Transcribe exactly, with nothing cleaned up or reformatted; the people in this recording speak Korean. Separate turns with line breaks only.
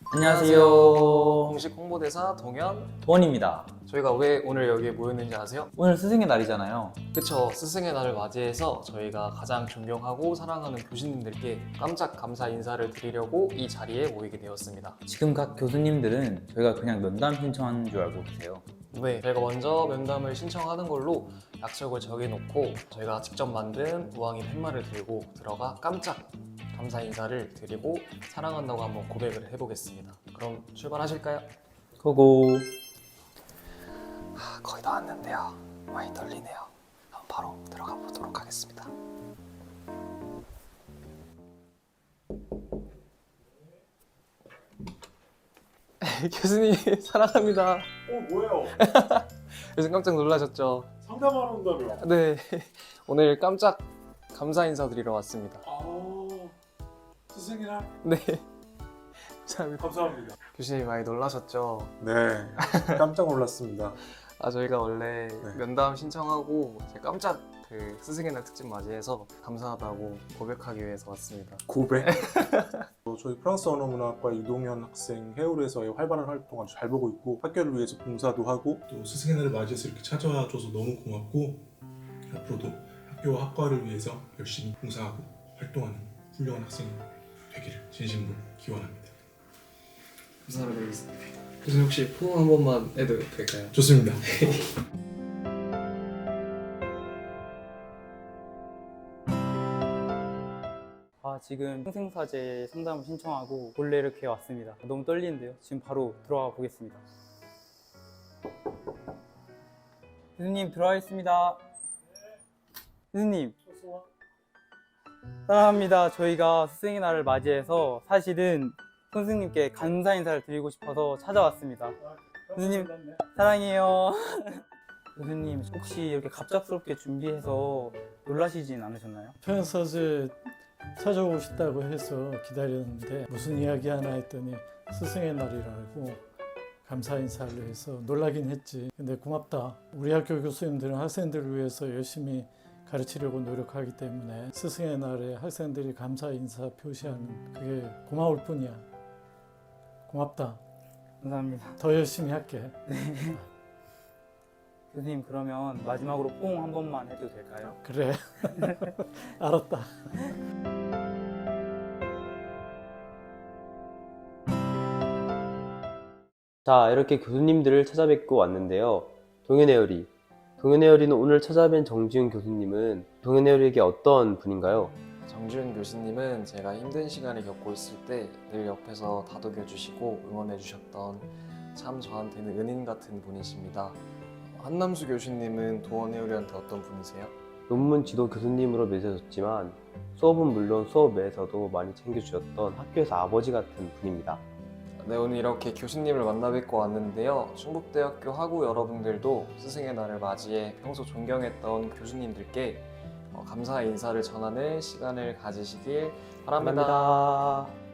안녕하세요.
공식 홍보대사 동현.
도원입니다.
저희가 왜 오늘 여기에 모였는지 아세요?
오늘 스승의 날이잖아요.
그쵸, 스승의 날을 맞이해서 저희가 가장 존경하고 사랑하는 교수님들께 깜짝 감사 인사를 드리려고 이 자리에 모이게 되었습니다.
지금 각 교수님들은 저희가 그냥 면담 신청하는 줄 알고 계세요.
네, 저희가 먼저 면담을 신청하는 걸로 약속을 정해놓고 저희가 직접 만든 우왕이 팻말을 들고 들어가 깜짝 감사 인사를 드리고 사랑한다고 한번 고백을 해보겠습니다. 그럼 출발하실까요?
고고.
아, 거의 다 왔는데요. 많이 떨리네요. 그럼 바로 들어가 보도록 하겠습니다. 교수님 사랑합니다.
어 뭐예요?
교수님 깜짝 놀라셨죠?
상담하러 온다며?
네, 오늘 깜짝 감사 인사 드리러 왔습니다.
아 스승이나?
네, 감사합니다.
감사합니다.
교수님 많이 놀라셨죠?
네 깜짝 놀랐습니다.
아 저희가 원래
네.
면담 신청하고 제가 깜짝 그 스승의 날 특집 맞이해서 감사하다고 고백하기 위해서 왔습니다.
고백? 어, 저희 프랑스 언어문학과 이동현 학생 해울에서의 활발한 활동 아주 잘 보고 있고 학교를 위해서 봉사도 하고
또 스승의 날을 맞이해서 이렇게 찾아와줘서 너무 고맙고 앞으로도 학교와 학과를 위해서 열심히 봉사하고 활동하는 훌륭한 학생이 되기를 진심으로 기원합니다.
감사드리겠습니다. 교수님 혹시 포옹 한 번만 해도 될까요?
좋습니다.
아, 지금 평생사제 상담을 신청하고 본래 이렇게 왔습니다. 너무 떨리는데요. 지금 바로 들어가 보겠습니다. 교수님 들어가겠습니다. 교수님 사랑합니다. 저희가 스승의 날을 맞이해서 사실은 선생님께 감사 인사를 드리고 싶어서 찾아왔습니다. 교수님 사랑해요. 교수님 혹시 이렇게 갑작스럽게 준비해서 놀라시진 않으셨나요?
평사제 찾아오고 싶다고 해서 기다렸는데 무슨 이야기 하나 했더니 스승의 날이라고 감사 인사를 해서 놀라긴 했지. 근데 고맙다. 우리 학교 교수님들은 학생들을 위해서 열심히 가르치려고 노력하기 때문에 스승의 날에 학생들이 감사 인사 표시하는 그게 고마울 뿐이야. 고맙다.
감사합니다.
더 열심히 할게.
교수님 그러면 마지막으로 뽕 한 번만 해도 될까요?
그래. 알았다.
자, 이렇게 교수님들을 찾아뵙고 왔는데요. 동현에어리. 동현에어리는 오늘 찾아뵌 정지훈 교수님은 동현에어리에게 어떤 분인가요?
정지훈 교수님은 제가 힘든 시간을 겪고 있을 때 늘 옆에서 다독여 주시고 응원해 주셨던 참 저한테는 은인 같은 분이십니다. 한남수 교수님은 도원해우리한테 어떤 분이세요?
논문 지도 교수님으로 맺어졌지만 수업은 물론 수업 외에서도 많이 챙겨주셨던 학교에서 아버지 같은 분입니다.
네, 오늘 이렇게 교수님을 만나 뵙고 왔는데요. 충북대학교 학우 여러분들도 스승의 날을 맞이해 평소 존경했던 교수님들께 어, 감사의 인사를 전하는 시간을 가지시길 바랍니다.
감사합니다.